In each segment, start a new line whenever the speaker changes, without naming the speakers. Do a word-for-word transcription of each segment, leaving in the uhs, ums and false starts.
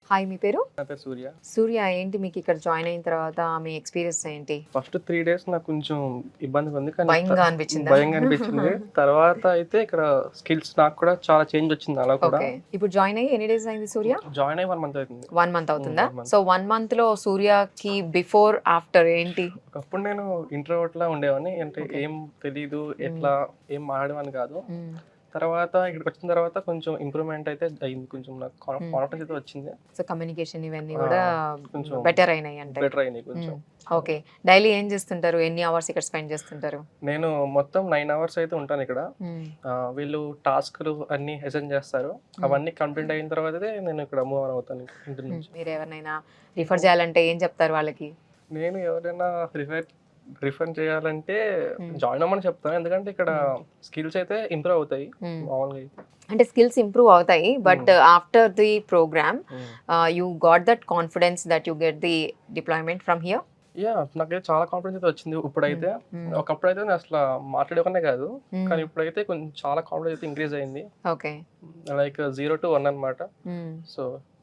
Hi, మీ పేరు?
నా పేరు సూర్య.
సూర్య, ఏంటి మీకు ఇక్కడ జాయిన్ అయిన తర్వాత మీ ఎక్స్పీరియన్స్ ఏంటి?
ఫస్ట్ త్రీ డేస్ నాకు కొంచెం ఇబ్బందిగా ఉంది. కానీ
భయంగా అనిపించిందా?
భయంగా అనిపించింది. తర్వాత అయితే ఇక్కడ స్కిల్స్ నాకు కూడా చాలా చేంజ్ వచ్చింది అలా కూడా.
ఓకే, ఇప్పుడు జాయిన్ అయ్యి ఎన్ని డేస్ అయింది సూర్య?
జాయిన్ అయ్యి వన్ మంత్ అవుతుంది.
వన్ మంత్ అవుతుందా?
one month.
So one month లో సూర్యకి బిఫోర్ ఆఫ్టర్ ఏంటి?
ఒకప్పుడు నేను ఇంట్రోవర్ట్ లా ఉండేవాడిని. అంటే ఏం తెలీదు, ఎట్లా ఏం మాట్లాడేవాడిని కాదు. తర్వాత ఇక్కడికి వచ్చిన తర్వాత కొంచెం ఇంప్రూవ్మెంట్ అయితే అయింది. కొంచెం నాకు కాన్ఫిడెన్స్ అయితే వచ్చింది.
సో కమ్యూనికేషన్ ఇవన్నీ కూడా
కొంచెం
బెటర్ అయినాయి అంటే.
బెటర్ అయింది కొంచెం.
ఓకే, డైలీ ఏం చేస్తుంటారు? ఎన్ని అవర్స్ ఇక్కడ స్పెండ్ చేస్తుంటారు?
నేను మొత్తం నైన్ అవర్స్ అయితే ఉంటాను ఇక్కడ. ఆ, వీళ్ళు టాస్క్లు అన్ని అసైన్ చేస్తారు. అవన్నీ కంప్లీట్ అయిన తర్వాత నేను ఇక్కడ మూవ్ ఆన్ అవుతాను ఇంటి నుంచి.
మీరు ఎవరినైనా రిఫర్ చేయాలంటే ఏం చెప్తారు వాళ్ళకి?
నేను ఎవరైనా రిఫర్ రిఫర్ చేయాలంటే జాయిన్ అవ్వమని చెప్తాను. ఎందుకంటే ఇక్కడ స్కిల్స్ అయితే ఇంప్రూవ్ అవుతాయి మామూలుగా అయితే.
అంటే స్కిల్స్ ఇంప్రూవ్ అవుతాయి, but after the programme you got that confidence that you get the deployment from here?
Yeah, నాకైతే చాలా కాన్ఫిడెన్స్ అయితే వచ్చింది ఇప్పుడైతే. ఒకప్పుడు అయితే నేను అసలు మాట్లాడేవనే కాదు, కానీ ఇప్పుడైతే కొంచెం చాలా కాన్ఫిడెన్స్ అయితే ఇంక్రీజ్ అయింది.
Okay,
like zero to one అనమాట. సో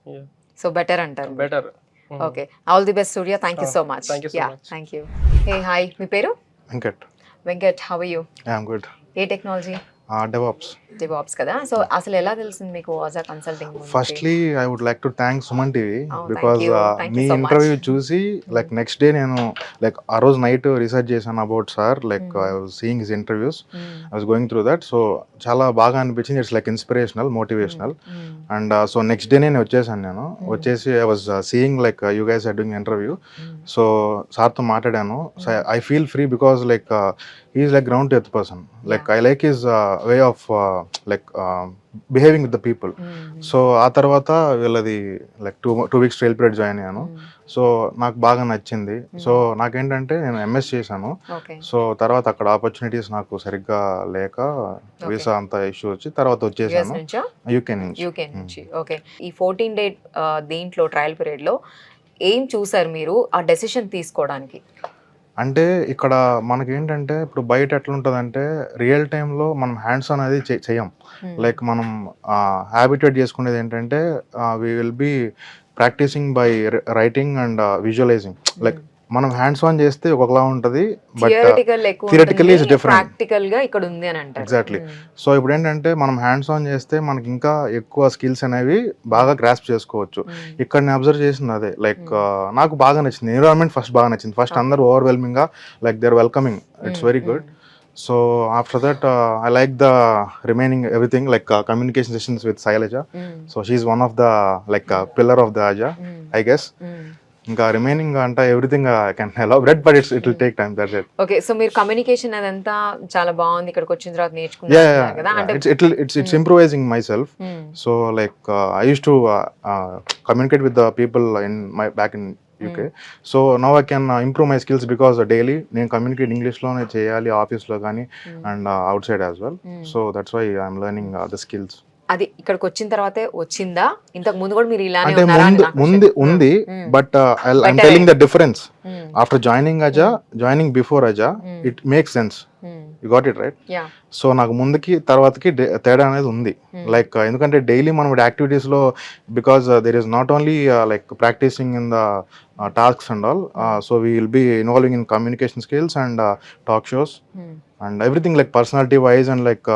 సో బెటర్ అంటారు.
Better.
Okay, all the best Surya. Thank you so much.
Thank you so
yeah,
much.
Thank you. Hey hi, మీ పేరు?
Venkat.
Venkat, how are you?
I'm good.
ఏ technology?
DevOps.
DevOps కదా. So అసలు ఎలా తెలిసింది మీకు వాజ్ consulting?
Firstly I would like to thank Suman TV
Oh,
because
thank you. Thank you
మీ
so much.
ఇంటర్వ్యూ చూసి లైక్ నెక్స్ట్ డే నేను లైక్ ఆ రోజు నైట్ రీసెర్చ్ చేశాను about sir. Like I was seeing his interviews, I was going through that. So చాలా బాగా అనిపించింది. It's like inspirational, motivational. And so next day నేను వచ్చేసాను. నేను వచ్చేసి I was seeing like you guys are doing interview. So సార్తో మాట్లాడాను. So I feel free because like he's like ground to earth person. Like I like his way of like behaving with the people. So ఆ తర్వాత వీళ్ళది like two two weeks trial period join అయ్యాను. So నాకు బాగా నచ్చింది. So నాకేంటంటే నేను MS చేశాను. సో తర్వాత అక్కడ ఆపర్చునిటీస్ నాకు సరిగ్గా లేక వీసా అంత ఇష్యూ వచ్చి తర్వాత వచ్చేసాను యూకే నుంచి.
యూకే నుంచి. ఓకే, ఈ ఫోర్టీన్ డే దీంట్లో ట్రయల్ పీరియడ్ లో ఏం చూసారు మీరు ఆ డెసిషన్ తీసుకోవడానికి?
అంటే ఇక్కడ మనకేంటంటే ఇప్పుడు బయట ఎట్లుంటుందంటే రియల్ టైంలో మనం హ్యాండ్స్ ఆన్ అనేది చే- చేయం. లైక్ మనం హ్యాబిటేట్ చేసుకునేది ఏంటంటే we will be practising by writing and visualising. Like మనం హ్యాండ్స్ ఆన్ చేస్తే ఒకలా ఉంటుంది, బట్
థియరిటికల్ ఎక్కువ
theoretically is different.
ప్రాక్టికల్ గా ఇక్కడ ఉంది అని అంటారు.
ఎగ్జాక్ట్లీ. సో ఇప్పుడు ఏంటంటే మనం హ్యాండ్స్ ఆన్ చేస్తే మనకి ఇంకా ఎక్కువ స్కిల్స్ అనేవి బాగా గ్రాస్ప్ చేసుకోవచ్చు. ఇక్కడ నేను అబ్జర్వ్ చేసింది అదే. లైక్ నాకు బాగా నచ్చింది ఎన్విరాన్మెంట్. ఫస్ట్ బాగా నచ్చింది. ఫస్ట్ అందరూ ఓవర్వెల్మింగ్ గా like they are welcoming. It's very good. So after that I like the remaining everything like communication sessions with Shailaja. So she's one of the like pillar of the Aja I guess. ఇంకా remaining అంటే everything I can elaborate, but it's it will take time. That's it.
Okay, so మీరు communication అదంతా చాలా బాగుంది ఇక్కడికి వచ్చిన తర్వాత
Yeah,
నేర్చుకున్నారు కదా
yeah,
అంటే.
it's it it's it's improvising myself. So like uh, I used to uh, uh, communicate with the people in my back in U K. So now I can uh, improve my skills because uh, daily నేను communicate English లోనే చేయాలి office లో కానీ and outside as well. So that's why I'm learning the skills.
అది ఇక్కడికి వచ్చిన తర్వాతే వచ్చిందా? ఇంతకు ముందు కూడా మీరు ఇలానే
అంటే
ఉన్నారా అని
ముందు
నాకు
ముందు ఉంది, but I'm telling the difference after joining Aja, joining before Aja, it makes sense. You got it right?
Yeah.
So నాకు ముందుకి తర్వాతకి డే- తేడా అనేది ఉంది. లైక్ ఎందుకంటే డైలీ మనం యాక్టివిటీస్ లో because there is not only like practising in the tasks and all. So we will be involving in communication skills and talk shows and everything like personality wise and like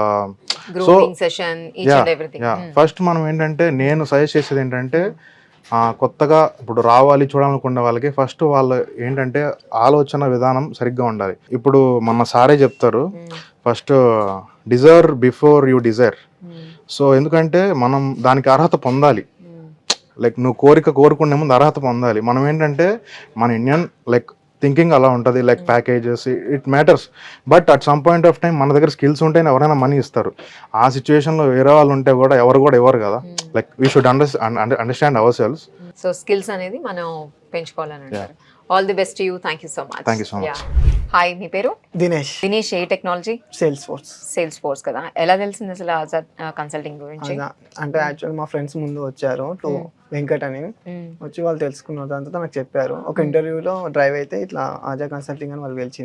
so
grooming session each and everything.
First మనం ఏంటంటే నేను suggest చేసేది ఏంటంటే ఆ, కొత్తగా ఇప్పుడు రావాలి చూడాలనుకునే వాళ్ళకి ఫస్ట్ వాళ్ళు ఏంటంటే ఆలోచన విధానం సరిగ్గా ఉండాలి. ఇప్పుడు మన సారే చెప్తారు first deserve before you desire. So ఎందుకంటే మనం దానికి అర్హత పొందాలి. లైక్ నువ్వు కోరిక కోరుకునే ముందు అర్హత పొందాలి. మనం ఏంటంటే మన ఇండియన్ లైక్ థింకింగ్ అలా ఉంటుంది. Like packages it matters, but at some point of time మన దగ్గర స్కిల్స్ ఉంటేనే ఎవరైనా మనీ ఇస్తారు. ఆ సిచ్యువేషన్లో వేరే వాళ్ళు ఉంటే కూడా ఎవరు కూడా ఇవ్వరు కదా. Like we should under understand ourselves.
So skills అనేది మనం పెంచుకోవాలని అంటారు. All the best to you. Thank you so much.
Thank you so much.
Hi, మీ పేరు?
దినేష్.
దినేష్, ఏ technology?
Salesforce.
Salesforce కదా. ఎలా తెలిసింది అసలు కన్సల్టింగ్ గురించి?
అదా అంటే యాక్చువల్ మా ఫ్రెండ్స్ ముందు వచ్చారు టు వెంకట్ అని వచ్చి వాళ్ళు తెలుసుకున్నారు. దాని తర్వాత నాకు చెప్పారు. ఒక ఇంటర్వ్యూలో డ్రైవ్ అయితే ఇట్లా ఆజా కన్సల్టింగ్ అని వాళ్ళు గెలిచింది.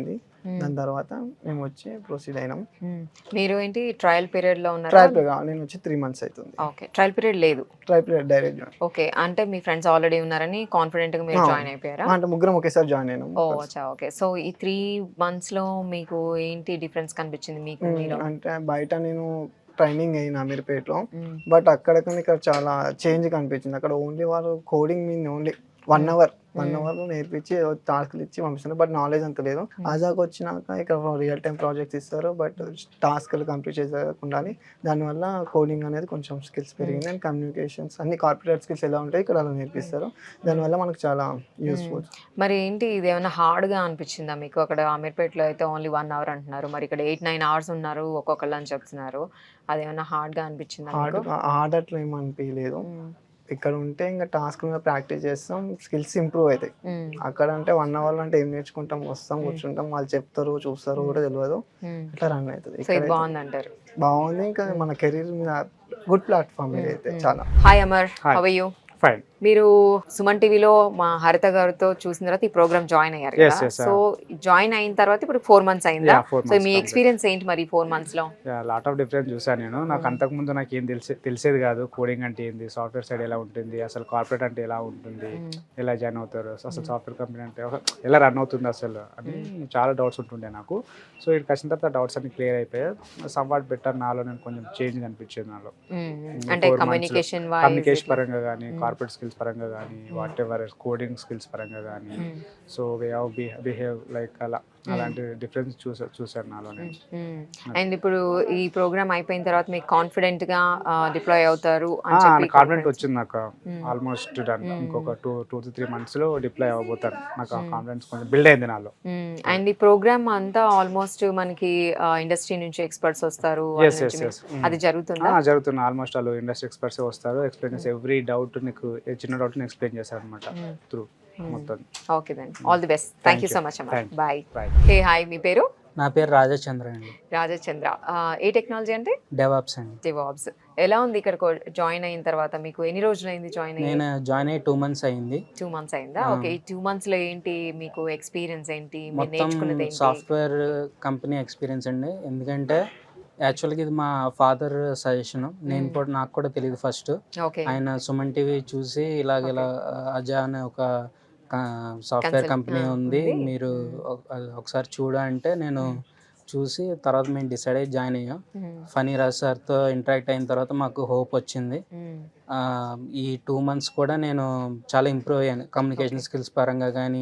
దాని తర్వాత మేము వచ్చి ప్రొసీడ్ అయినాం.
మీరు ఏంటి ట్రయల్ పీరియడ్ లో ఉన్నారా?
ట్రయల్ పీరియడ్ నేను వచ్చి త్రీ మంత్స్ అవుతుంది.
ఓకే, ట్రయల్ పీరియడ్ లేదు.
Trial period direct join.
Okay, అంటే మీ ఫ్రెండ్స్ ఆల్రెడీ ఉన్నారని కాన్ఫిడెంట్ గా మీరు
ఆ.
జాయిన్ అయిపోయారా?
అంటే ముగ్గురం ఒకేసారి జాయిన్ అయినాం.
ఓ అచ్చా, ఓకే. సో ఈ త్రీ మంత్స్ లో మీకు ఏంటి డిఫరెన్స్ కనిపించింది మీకు
ఉమ్,
మీలో?
అంటే బయట నేను ట్రైనింగ్ అయిన అమీర్పేటలో,
మ్మ్.
బట్ అక్కడ కన్నా ఇక్కడ చాలా చేంజ్ కనిపించింది. అక్కడ ఓన్లీ వాళ్ళు కోడింగ్ మీద only one hour one hour నేర్పించి టాస్క్లు ఇచ్చి పంపిస్తున్నారు, బట్ నాలెడ్జ్ అంత లేదు. ఆజాకి వచ్చినాక ఇక్కడ రియల్ టైం ప్రాజెక్ట్స్ ఇస్తారు, బట్ టాస్క్లు కంప్లీట్ చేయకుండా దానివల్ల కోడింగ్ అనేది కొంచెం స్కిల్స్ పెరిగింది. అండ్ కమ్యూనికేషన్స్ అన్ని కార్పొరేట్ స్కిల్స్ ఎలా ఉంటాయి ఇక్కడ అలా నేర్పిస్తారు. దానివల్ల మనకు చాలా యూస్ఫుల్.
మరి ఏంటి ఇది ఏమైనా హార్డ్ గా అనిపించిందా మీకు? అక్కడ అమీర్పేటలో అయితే ఓన్లీ వన్ అవర్ అంటున్నారు, మరి ఇక్కడ ఎయిట్ నైన్ అవర్స్ ఉన్నారు ఒక్కొక్కళ్ళు అని చెప్తున్నారు. అదేమైనా హార్డ్ గా అనిపించిందా
హార్డ్
మీకు?
హార్డ్ అట్లా ఏమనిపించలేదు.
మ్మ్.
ఇక్కడ ఉంటే ఇంకా టాస్క్ మీద ప్రాక్టీస్ చేస్తాం, స్కిల్స్ ఇంప్రూవ్ అవుతాయి.
మ్మ్.
అక్కడ అంటే వన్ అవర్ అంటే ఏం నేర్చుకుంటాం, వస్తాం కూర్చుంటాం, వాళ్ళు చెప్తారు చూస్తారు కూడా తెలియదు,
మ్మ్.
ఇట్లా రన్ అవుతుంది.
సో ఇది
ఇక్కడ
బాగుంది అంటారు.
బాగుంది. ఇంకా మన కెరీర్ మీద గుడ్ ప్లాట్ఫామ్ ఇది అయితే చాలా.
Hi Amar,
Hi.
How are you?
Fine.
మీరు సుమన్ టీవీలో మా హరిత గారితో చూసిన తర్వాత ఈ ప్రోగ్రామ్ జాయిన్ అయ్యారు
Yes,
కదా?
yes,
సో జాయిన్ అయిన తర్వాత ఇప్పుడు ఫోర్ మంత్స్ అయిందా?
Yeah, four
సో
months
మీ
complete.
ఎక్స్పీరియన్స్ ఏంటి మరి ఫోర్ మంత్స్ లో?
లాట్ ఆఫ్ డిఫరెన్స్ చూసాను నేను. నాకు అంతకుముందు నాకు ఏం తెలిసే తెలిసేది కాదు. కోడింగ్ అంటే ఏంది, సాఫ్ట్వేర్ సైడ్ ఎలా ఉంటుంది, అసలు కార్పొరేట్ అంటే ఎలా ఉంటుంది, ఎలా జాయిన్ అవుతారు, అసలు సాఫ్ట్వేర్ కంపెనీ అంటే ఒక- ఎలా రన్ అవుతుంది అసలు అని చాలా డౌట్స్ ఉంటుండే నాకు. సో ఇక్కడికి వచ్చిన తర్వాత డౌట్స్ అన్ని క్లియర్ అయిపోయాయి. సమ్వాట్ బెటర్ నాలో నేను కొంచెం చేంజ్ అనిపించింది నాలో.
అంటే కమ్యూనికేషన్
కమ్యూనికేషన్ పరంగా కానీ, కార్పొరేట్ స్కిల్స్ పరంగా కానీ, వాట్ ఎవర్ కోడింగ్ స్కిల్స్ పరంగా కానీ, so way of behave like అలా అలాంటి డిఫరెన్స్ చూసా చూసాను నాలో నేను.
అండ్ ఇప్పుడు ఈ ప్రోగ్రామ్ అయిపోయిన తర్వాత మీకు కాన్ఫిడెంట్ గా డిప్లాయ్ అవుతారు అని చెప్పి
కాన్ఫిడెంట్ వచ్చింది నాకు. Almost done. ఇంకొక two two to three months లో డిప్లాయ్ అవ్వబోతాను. నాకు ఆ కాన్ఫిడెన్స్ కొంచెం బిల్డ్ అయింది నాలో.
అండ్ ఈ ప్రోగ్రామ్ అంతా ఆల్మోస్ట్ మనకి ఇండస్ట్రీ నుంచి ఎక్స్పర్ట్స్ వస్తారు వాళ్ళ
Yes,
నుంచి
yes,
మీకు-
yes. Mm.
అది జరుగుతుందా?
ఆ, జరుగుతుంది. ఆల్మోస్ట్ వాళ్ళు ఇండస్ట్రీ ఎక్స్పర్ట్స్ వస్తారు, ఎక్స్ప్లెయిన్ చేసి ఎవ్రీ డౌట్ నీకు ఏ చిన్న డౌట్ ఎక్స్ప్లెయిన్ చేస్తారు అనమాట త్రూ మొత్తం.
Okay then all the best. Thank you so much అమ్మా.
Thank you.
Bye.
Bye.
Hey hi, మీ పేరు?
నా పేరు రాజచంద్ర అండి.
రాజచంద్ర. ఏ టెక్నాలజీ అంటే?
డెవాప్స్ అండి.
డివాబ్స్. ఎలా ఉంది ఇక్కడ జాయిన్ అయిన తర్వాత? మీకు ఎన్ని రోజులు అయింది జాయిన్ అయ్యి?
నేను జాయిన్ అయ్యి టూ మంత్స్ అయింది.
టూ మంత్స్ అయిందా?
ఆ.
ఓకే, ఈ టూ మంత్స్ లో ఏంటి మీకు ఎక్స్పీరియన్స్ ఏంటి, మీరు
మొత్తం
నేర్చుకున్నది ఏంటి?
సాఫ్ట్వేర్ కంపెనీ ఎక్స్పీరియన్స్ అండి. ఎందుకంటే యాక్చువల్గా ఇది మా ఫాదర్ సజెషన్. నేను కూడా నాకు కూడా తెలియదు ఫస్ట్.
ఓకే.
ఆయన సుమన్ టీవీ చూసి ఇలాగ ఇలా అజా అనే ఒక సాఫ్ట్వేర్
Consult-
కంపెనీ
ఆ,
ఉంది,
ఉంది.
మీరు ఒక- అది ఒకసారి చూడ అంటే నేను చూసి తర్వాత మేము డిసైడ్ అయ్యి జాయిన్ అయ్యాం. ఫనీ రాజ్ సార్తో ఇంటరాక్ట్ అయిన తర్వాత మాకు హోప్ వచ్చింది. ఆ, ఈ టూ మంత్స్ కూడా నేను చాలా ఇంప్రూవ్ అయ్యాను కమ్యూనికేషన్ స్కిల్స్ పరంగా కానీ,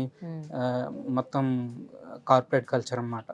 మొత్తం కార్పొరేట్ కల్చర్ అన్నమాట.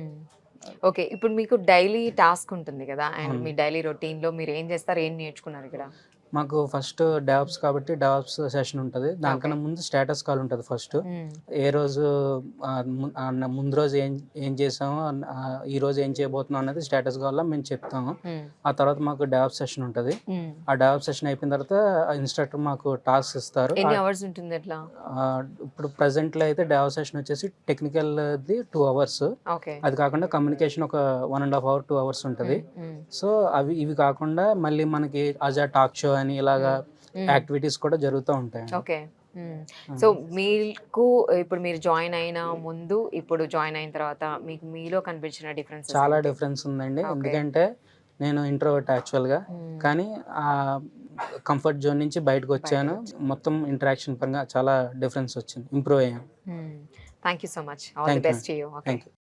ఓకే, ఇప్పుడు మీకు డైలీ టాస్క్ ఉంటుంది కదా, అండ్
అవును.
మీ డైలీ రొటీన్ లో మీరు ఏం చేస్తారు, ఏం నేర్చుకున్నారు ఇక్కడ?
మాకు ఫస్ట్ డెవాప్స్ కాబట్టి డెవాప్స్ సెషన్ ఉంటుంది. దానికన్నా ముందు స్టేటస్ కాల్ ఉంటుంది ఫస్ట్. ఏ రోజు ఆ, ము- ఆ, ముందు రోజు ఏం ఏం చేసామో ఆ, ఈ రోజు ఏం చేయబోతున్నాం అనేది స్టేటస్ కాల్లో మేము చెప్తాము. ఆ తర్వాత మాకు డెవాప్స్ సెషన్ ఉంటుంది. ఆ డెవాప్స్ సెషన్ అయిపోయిన తర్వాత ఇన్స్ట్రక్టర్ మాకు టాస్క్ ఇస్తారు.
ఎన్ని
ఆ-
అవర్స్ ఉంటుంది ఎట్లా?
ఆ, ఇప్పుడు present లో అయితే డెవాప్స్ సెషన్ వచ్చేసి టెక్నికల్ ది టూ అవర్స్.
ఓకే.
అది కాకుండా కమ్యూనికేషన్ ఒక one and half hour two hours ఉంటుంది. సో అవి ఇవి కాకుండా మళ్ళీ మనకి అజా టాక్ షో అని ఇలాగా యాక్టివిటీస్ కూడా జరుగుతూ ఉంటాయి.
ఓకే. సో మీకు ఇప్పుడు మీరు జాయిన్ అయిన ముందు ఇప్పుడు జాయిన్ అయిన తర్వాత మీకు మీలో కనిపించిన డిఫరెన్స్?
చాలా డిఫరెన్స్ ఉందండి.
Okay.
ఎందుకంటే నేను ఇంట్రోవర్ట్ యాక్చువల్గా, కానీ ఆ కంఫర్ట్ జోన్ నుంచి బయటకు వచ్చాను. మొత్తం ఇంటరాక్షన్ పరంగా చాలా డిఫరెన్స్ వచ్చింది, ఇంప్రూవ్ అయ్యాను.
Thank you so much. All the
Thank you.
Best to you. Okay.
Thank you.